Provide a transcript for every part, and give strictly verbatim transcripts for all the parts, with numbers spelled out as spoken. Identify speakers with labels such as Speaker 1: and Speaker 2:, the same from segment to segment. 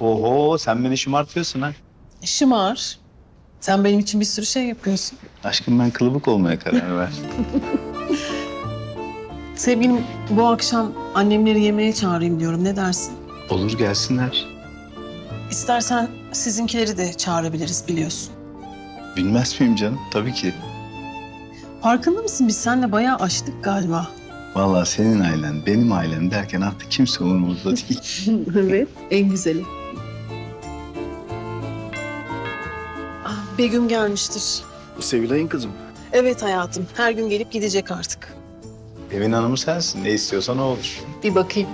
Speaker 1: Oho, sen beni şımartıyorsun ha.
Speaker 2: Şımar. Sen benim için bir sürü şey yapıyorsun.
Speaker 1: Aşkım, ben kılıbık olmaya karar ver.
Speaker 2: Sevgilim, bu akşam annemleri yemeğe çağırayım diyorum. Ne dersin?
Speaker 1: Olur, gelsinler.
Speaker 2: İstersen sizinkileri de çağırabiliriz, biliyorsun.
Speaker 1: Bilmez miyim canım? Tabii ki.
Speaker 2: Farkında mısın? Biz seninle bayağı aştık galiba.
Speaker 1: Vallahi senin ailen, benim ailem derken artık kimse umurumda değil.
Speaker 2: Evet, en güzeli. Ah, Begüm gelmiştir.
Speaker 1: Sevilay'ın kızım.
Speaker 2: Evet hayatım, her gün gelip gidecek artık.
Speaker 1: Evin hanımı sensin. Ne istiyorsan o olur.
Speaker 2: Bir bakayım.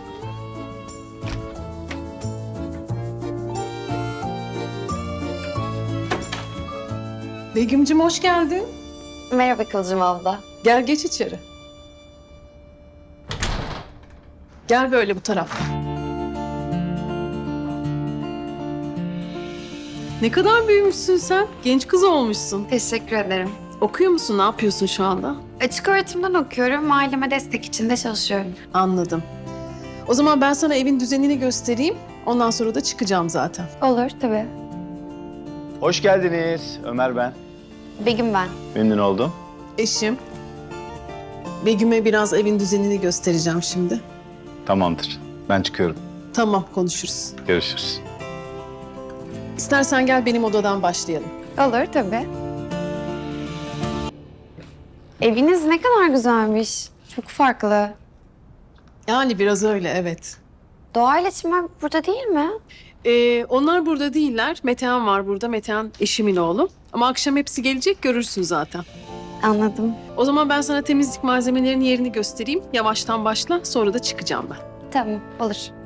Speaker 2: Begüm'cüm hoş geldin.
Speaker 3: Merhaba Kıvılcım abla.
Speaker 2: Gel geç içeri. Gel böyle bu tarafa. Ne kadar büyümüşsün sen. Genç kız olmuşsun.
Speaker 3: Teşekkür ederim.
Speaker 2: Okuyor musun? Ne yapıyorsun şu anda?
Speaker 3: Açık öğretimden okuyorum. Aileme destek için de çalışıyorum.
Speaker 2: Anladım. O zaman ben sana evin düzenini göstereyim. Ondan sonra da çıkacağım zaten.
Speaker 3: Olur tabii.
Speaker 1: Hoş geldiniz. Ömer ben.
Speaker 3: Begüm ben.
Speaker 1: Memnun oldum.
Speaker 2: Eşim. Begüm'e biraz evin düzenini göstereceğim şimdi.
Speaker 1: Tamamdır. Ben çıkıyorum.
Speaker 2: Tamam, konuşuruz.
Speaker 1: Görüşürüz.
Speaker 2: İstersen gel benim odadan başlayalım.
Speaker 3: Olur tabii. Eviniz ne kadar güzelmiş. Çok farklı.
Speaker 2: Yani biraz öyle, evet.
Speaker 3: Doğa iletişimler burada değil mi?
Speaker 2: Ee, onlar burada değiller. Metehan var burada. Metehan eşimin oğlu. Ama akşam hepsi gelecek, görürsün zaten.
Speaker 3: Anladım.
Speaker 2: O zaman ben sana temizlik malzemelerinin yerini göstereyim. Yavaştan başla, sonra da çıkacağım ben.
Speaker 3: Tamam, olur.